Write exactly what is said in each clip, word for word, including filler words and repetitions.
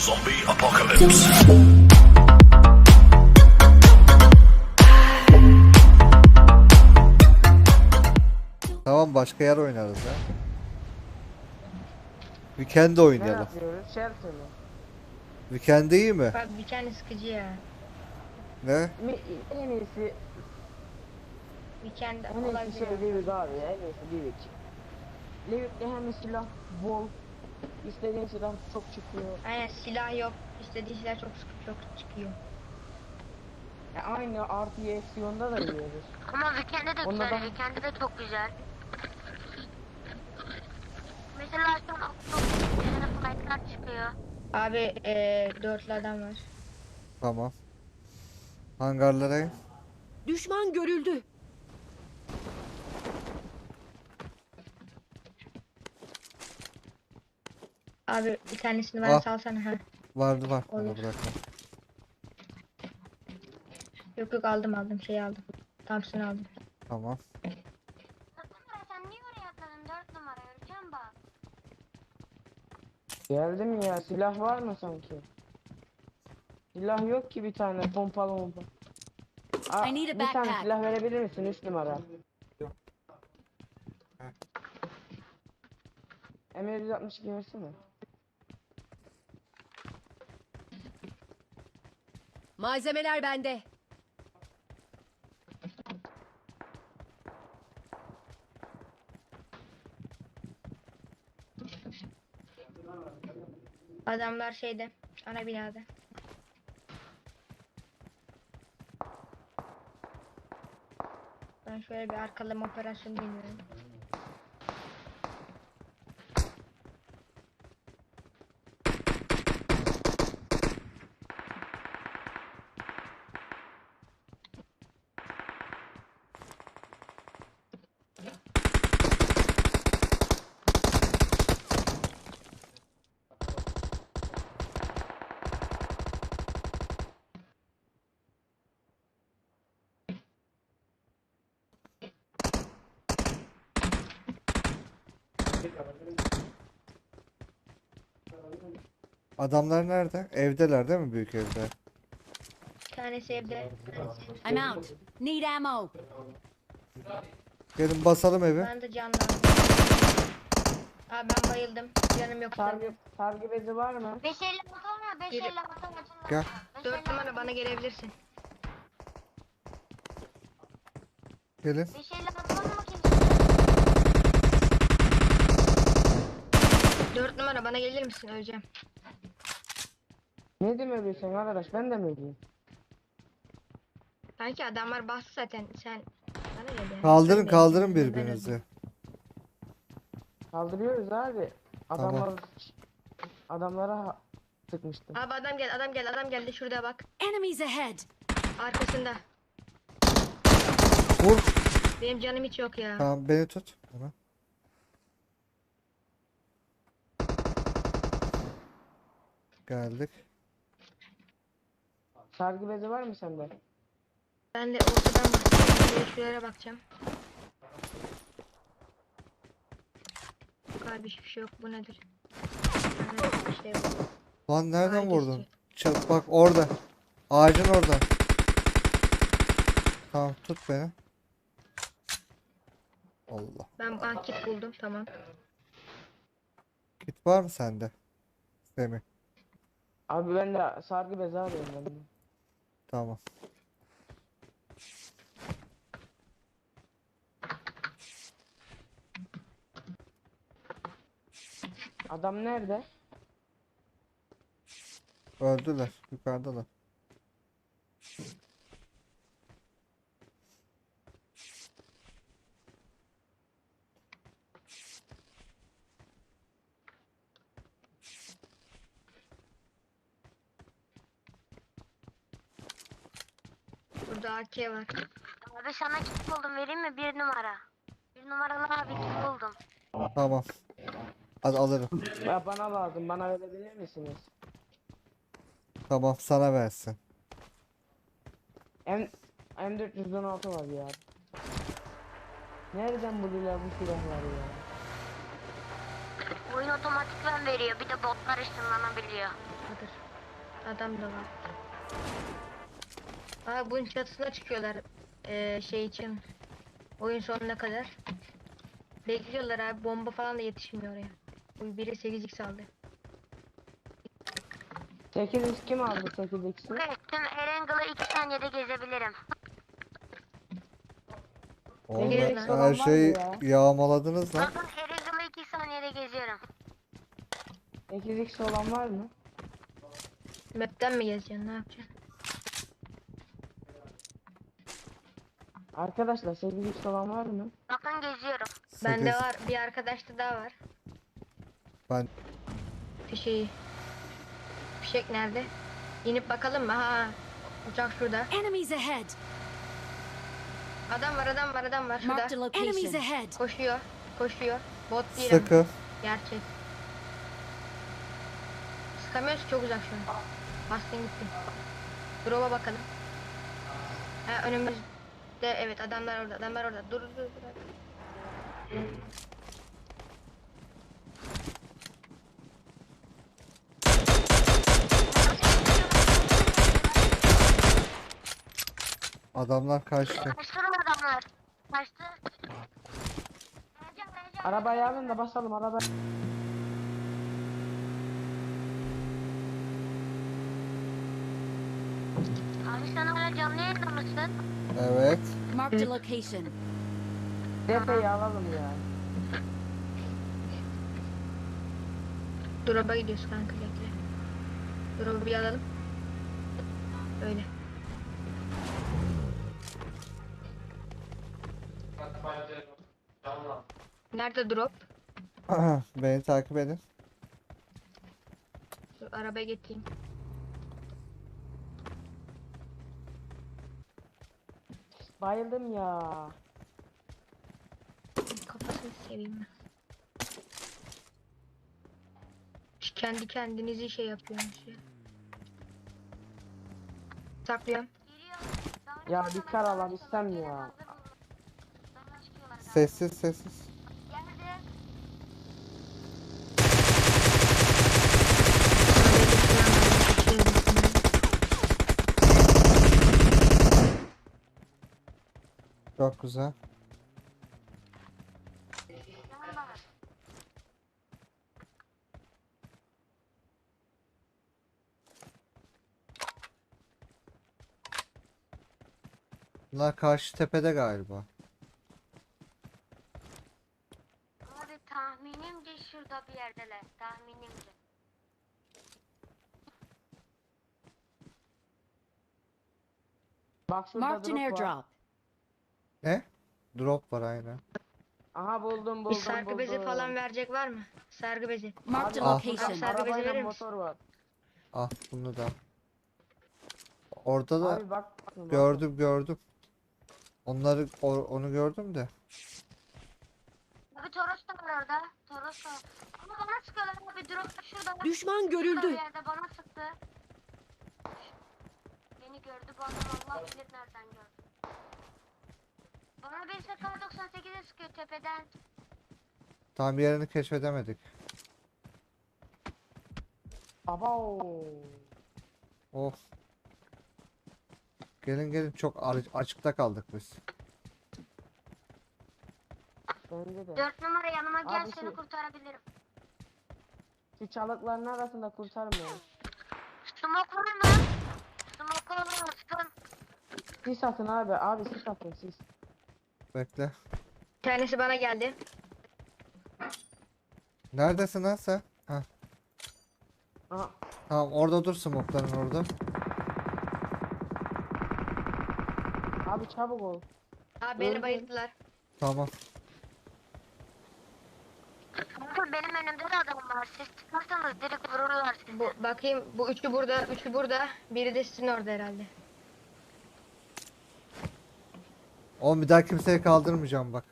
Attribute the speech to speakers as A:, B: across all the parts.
A: Zombie apocalypse.
B: Tamam, başka yer oynarız ya. Weekend
C: Ne
B: oynayalım.
C: yapıyoruz? Shelter mı?
B: Weekend iyi mi?
D: Bak bir tane sıkıcı ya.
B: Ne?
C: Mi- En iyisi,
D: Weekend
C: en iyisi
D: olabilir.
C: şey Livik abi ya, en iyisi Livik. Livik'te hem silah bol, istediğin silah çok çıkıyor.
D: Aynen, silah yok. İstediği silah çok sık çok çıkıyor.
C: Ya aynı artı eksiyonda da yiyoruz.
E: Ama Weekend'de de
C: Onda
E: güzel,
C: da-
E: Weekend'de de çok güzel. Mesela şu an çok yeni flight'lar çıkıyor.
D: Abi eee dörtlü adam var.
B: Tamam. Hangarlara in.
F: Düşman görüldü.
D: Abi bir tanesini bana
B: Ah.
D: salsana ha.
B: Vardı var. Bana
D: Olur.
B: bırakma.
D: Yok yok, aldım aldım şey aldım. Thompson aldım.
B: Tamam.
E: Dört numara sen niye oraya atladın? Dört numara öleceğim bak.
C: Geldi mi ya? Silah var mı sanki? Silah yok ki bir tane pompalı pompa. Aa,
F: I need a
C: bir tane
F: backpack.
C: silah verebilir misin? Üç numara. M yüz altmış iki versene.
F: Malzemeler bende.
D: Adamlar şeyde, ana binada. Ben şöyle bir arkalama operasyonu deniyorum.
B: Adamlar nerede? Evdeler değil mi, büyük evde?
D: Bir tanesi evde. bir tanesi evde.
F: I'm out. Need ammo.
B: Gelin basalım evi.
D: Ben de canlandım. Abi ben bayıldım. Canım yok.
C: Sargı, sargı bezi var mı?
E: beş elli altı olmuyor, beş
D: Biri-
E: elli altı açılır.
B: Gel.
D: Dört numara bana gelebilirsin.
B: Gelin.
E: beş elli altı olmuyor kimse.
D: Dört numara bana gelir misin? Öleceğim.
C: Ne demiyorsun arkadaş? Ben de mi ödeyeyim?
D: Sanki adamlar bastı zaten. Sen bana gel yani.
B: Kaldırın
D: Ben de-
B: kaldırın
D: ben
B: birbirinizi.
C: Kaldırıyoruz abi.
B: Tamam.
C: Adamlar adamlara ha- sıkmıştım.
D: Abi adam gel, adam gel, adam geldi. Şurada bak.
F: Enemies ahead.
D: Arkasında.
B: Vur.
D: Benim canım hiç yok ya.
B: Tamam, beni tut. Hemen. Geldik.
C: Sargı bezi var mı sende?
D: Ben de ortadan bakacağım. Şuraya, şuraya bakacağım. Yok abi, hiçbir şey yok. Bu nedir? Ha, bir şey yok.
B: Lan nereden
D: Ağacı
B: vurdun?
D: istiyor.
B: Çat bak orada. Ağacın orada. Tamam, tut beni. Allah.
D: Ben banket buldum, tamam.
B: Kit var mı sende? Semih.
C: Abi ben de sargı bezi arıyorum ben de.
B: Tamam.
C: Adam nerede?
B: Öldüler. Yukarıdalar.
D: Burada A K var.
E: Abi sana kit buldum, vereyim mi? Bir numara. Bir numaralı abi kit buldum.
B: Tamam. Hadi alırım.
C: Ya bana lazım. Bana verebilir misiniz?
B: Tamam, sana versin.
C: M M dört yüz on altı var ya. Nereden buluyorlar bu silahları ya?
E: Oyun Oyun otomatikten veriyor. Bir de botlar ışınlanabiliyor.
D: Vardır. Adam da var. Aa bunun çatısına çıkıyorlar. Ee, şey için. Oyun sonuna kadar. Bekliyorlar abi. Bomba falan da yetişmiyor oraya. Bu biri sekiz x aldı.
C: sekiz x kim aldı sekiz x'i?
E: Evet, tüm Erangle'ı iki saniyede gezebilirim.
B: Oğlum
C: Peki,
B: her
C: eksik olan var mı
B: şeyi
C: ya?
B: yağmaladınız lan.
E: Bakın Erangle'ı iki saniyede geziyorum.
C: sekiz x olan var mı?
D: Map'ten mi gezeceksin? Ne yapacaksın?
C: Arkadaşlar sekiz x olan var mı?
E: Bakın geziyorum.
D: Bende
B: sekiz.
D: var. Bir arkadaşta daha var.
B: Ben
D: Fişeği. Fişek nerede? İnip bakalım mı? Ha. Uçak şurada.
F: Enemies ahead.
D: Adam var, adam var, adam var
F: Marked a
D: şurada.
F: location. Enemies ahead.
D: Koşuyor. Koşuyor. Bot değil ama.
B: sıkı.
D: Gerçek. Sıkamıyoruz ki, çok uzak şu an. Bastın gitti. Drop'a bakalım. Ha önümüzde, evet adamlar orada, adamlar orada. Dur dur dur.
B: Adamlar kaçtı.
E: Kaçtırın adamlar. Kaçtı. Vereceğim, vereceğim.
C: Arabayı alın da basalım araba.
E: Abi sen hala canlı yayında mısın?
B: Evet.
F: Marked a location.
C: Defeyi alalım ya.
D: Drop'a gidiyoruz kanka, bekle. Drop'u bir alalım. Öyle. Nerede drop?
B: Beni takip edin.
D: Dur, arabaya getireyim.
C: Bayıldım ya.
D: Kafasını seveyim ben. Şu kendi kendinizi şey yapıyormuş ya. Saklıyorum.
E: Geliyor.
C: Ya bir kar alabilsem ya.
B: Sessiz sessiz.
E: Geldi.
B: Çok güzel. Bunlar karşı tepede galiba.
E: Abi tahminimce şurada bir yerdeler. Tahminimce.
C: Bak şurada
F: Marked an
C: drop var.
F: airdrop.
B: Ne? Drop var aynen.
C: Aha buldum
D: Bir
C: buldum
D: sargı
C: buldum.
D: bezi falan verecek var mı? Sargı bezi.
F: Marked
B: Ah.
F: a
C: Abi,
F: location.
D: Sargı bezi
C: arabayla
D: verir misin?
C: motor var.
B: Ah bunu da. Orada da
C: Abi bak. bak.
B: gördüm gördüm. Onları o- onu gördüm de.
E: Abi Toros da var orada. Toros da var. Ama bana sıkıyorlar abi. Drop şurada.
F: Düşman
E: Şurada bir
F: görüldü.
E: yerde bana sıktı. Beni gördü bu adam, Allah bilir nereden gördü. Bana bir S K doksan sekize sıkıyor tepeden.
B: Tam yerini keşfedemedik.
C: Aba.
B: Of. Gelin gelin çok ar- açıkta kaldık biz.
C: Bence de.
E: Dört numara yanıma gel,
C: Abi
E: seni
C: şu-
E: kurtarabilirim.
C: Şu çalıkların arasında kurtarmıyor.
E: Smoke var mı? Smoke olur mu? Sıkın.
C: Sis atın abi. Abi sis atın sis.
B: Bekle.
D: Bir tanesi bana geldi.
B: Neredesin lan sen? Heh.
C: Aha.
B: Tamam orada dur smoke'ların orada.
C: Abi çabuk ol.
D: Abi beni
C: Öldü.
D: bayılttılar.
B: Tamam.
E: Bakın benim önümde de adam var. Siz çıkarsanız direkt vururlar sizi.
D: Bu bakayım, bu üçü burada, üçü burada. Biri de sizin orada herhalde.
B: Oğlum bir daha kimseyi kaldırmayacağım bak.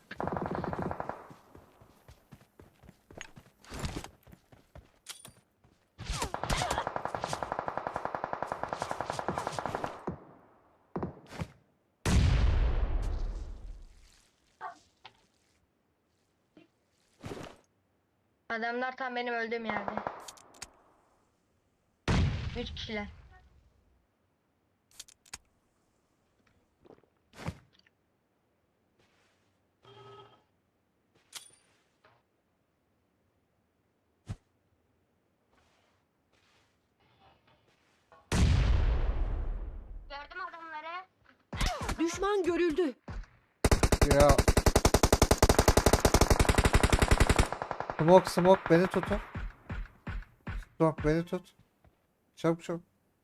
D: Adamlar tam benim öldüğüm yerde. Üç kişiler.
E: Gördüm adamları.
F: Düşman görüldü.
B: Ya. Smoke smoke beni tutun. Smoke beni tut. Çabuk çabuk.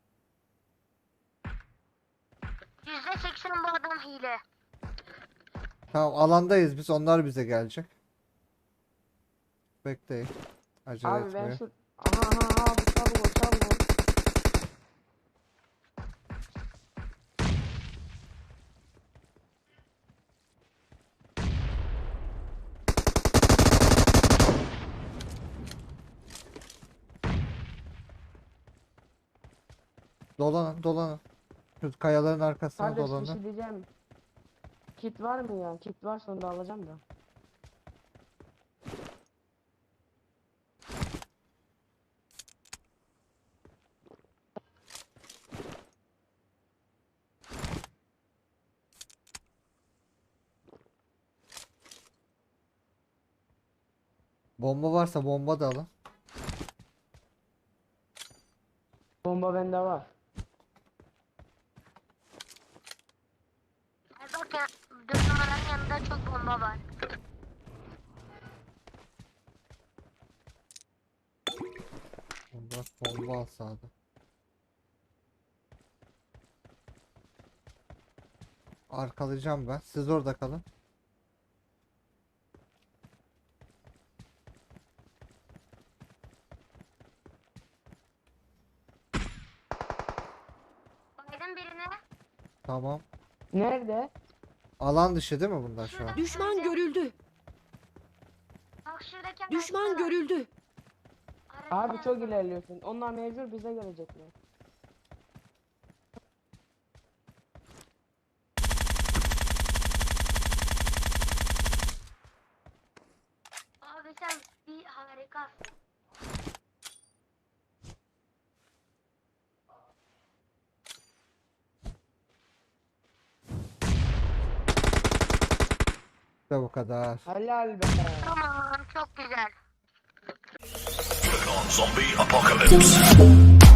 E: yüzde seksen bu adam hile.
B: Tamam alandayız biz, onlar bize gelecek. Bekleyin. Acele
C: Abi ben
B: etmeyin.
C: şu... Aha aha abi çabuk ol çabuk ol.
B: Dolanın dolanın. Şu kayaların arkasına
C: Kardeş bir
B: dolanın.
C: şey diyeceğim. Kit var mı ya? Kit varsa onu da alacağım da.
B: Bomba varsa bomba da alın.
C: Bomba bende var.
E: Ay bak ya, dört numaranın yanında çok bomba var.
B: Bomba, bomba al sağda. Arkalayacağım ben. Siz orada kalın.
E: Baydın birine.
B: Tamam.
C: Nerede?
B: Alan dışı değil mi bunlar şu an?
F: Düşman görüldü.
E: Bak şuradaki
F: Düşman
E: araçta var.
F: görüldü.
E: Araçta
C: Abi
E: var.
C: çok ilerliyorsun. Onlar mecbur bize gelecekler.
E: Abi sen bir harikasın.
B: İşte bu kadar.
C: Helal be.
E: Tamam çok güzel.
A: Click on Zombie Apocalypse.